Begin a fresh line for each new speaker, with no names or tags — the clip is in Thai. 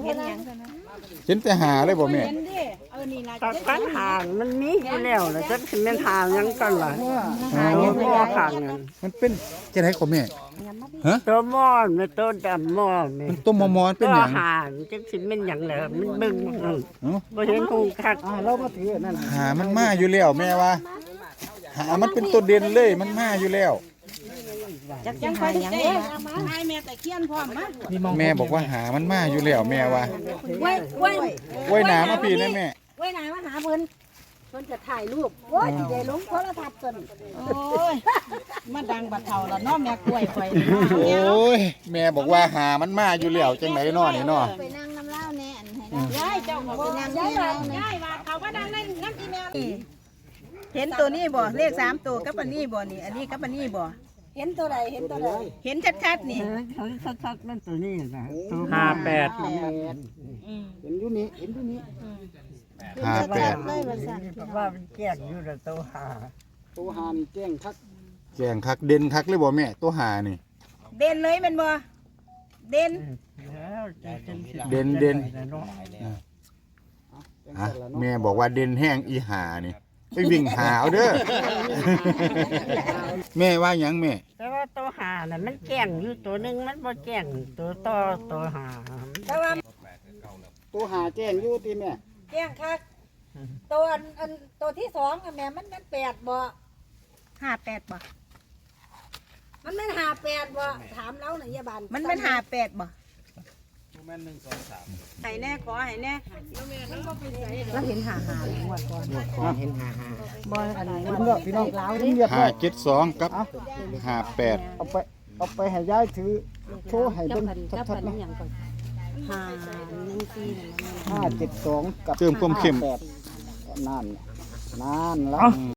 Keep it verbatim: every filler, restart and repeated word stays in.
เห็นหยังกันนะ
เห็นแต่หาเลยบ่แม่
เห็นดิเออนี่ล่ะ
ตากันหางมันมีอยู่แล้วแล้วจักสิแม่นหางหยังกันล่ะ
หา
ตั
ยั
ว
ง
หม้อข้างนั้น
มันเป็นจังได๋ก็แม่ฮะ
ตัวหม้อแม่ตัวดำหม้อแม่
มันต้มมอมๆเป็น
ตัว
หยัง
หางจักสิแม่นหยังแล้วมันเบิ่งบ่เออ
เอ้า
บ่เห็นคงคัก
เรามาถือนั่น
หามันมาอยู่แล้วแม่ว่าหามันเป็นตัวเด่นเลยมันมาอยู่แล้ว
จักจังคอยหยังเด้ให้แม่แต่เคียนพร้อมมา
แม่บอกว่าหามันมาอยู่แล้วแม่ว่า
ไว้ไว้
ไว้หนามาพี่นะแม่
ไว้ไหนมาหาเพิ่นเพิ่นจะถ่ายรูปโอ้ยสิได้ลงโทรทัศน์จนโอ้ยมาดังบัดเฒ่าละเนาะแม่กล้วยข่อย
โอ้ยแม่บอกว่าหามันมาอยู่แล้วจังไหนน้อนี่น้อ
ไปนั่งน้ำเหล้าแน่อันให้ได้
ยายเจ้าก็ไปนั่งยายว่าย้ายว่าเขาว่าดังในน้ำอีแม่เห็นตัวนี้บ่เลขสามตัวกับอันนี้บ่นี่อันนี้กับอันนี้บ่เห็นตัวใดเห็นตัวใดเห็นชัดๆนี่
เออเขาชัดๆมันตัวนี้นะตัว
ห้าแปด
อืม
เห็นอยู่นี่เห็นอยู่นี่
ห้าแปด
เลยว่าสั่น
ว่ามันแก้งอยู่แล้วตัวหา
ตัวหานี่แจ้งทัก
แจงคักเด่นคักเลยบ่แม่ตัวหานี่
เด่นเลยแมันบ่เด่น
แล้วจะจังสิ
เด่นเด่น
เนาะ
ฮะแม่บอกว่าเด่นแห้งอีหานี่ไปวิ่งหาเอาเด้อ แม่ว่าหยังแม่
แต่ว่าตัวหาน่ะมันแก้งอยู่ตัวหนึงมันบ่แก้งตัวต่อตัวหา
แต่ว่า
ตัวหาแจ้งอยู่ที่แม่
แจ้งคักตัวอันอันตัวที่สองอะแม่มันมันแปดบ่ห้าแปดบ่มันมันห้าแปดบ่ถามเราหน่อยยาบาลมันมันห้าแปดบ่ให้แน่ขอให้แน่เราเห็นหาหาหมดก่อนเห็นหาหาบ่อันนี้
เลือกพี่น้องเรียบ
ห้า
ร้อย
เจ็ดสองกับห้าแปด
เอาไปเอาไปให้ยายถือโชว์ให้เบิ่งชัดๆนะ
หาหนึ่งสี่
ห้าเจ็ดสองกับ
เติมความเข้ม
ห้าแปดนั่นนั่นแล้ว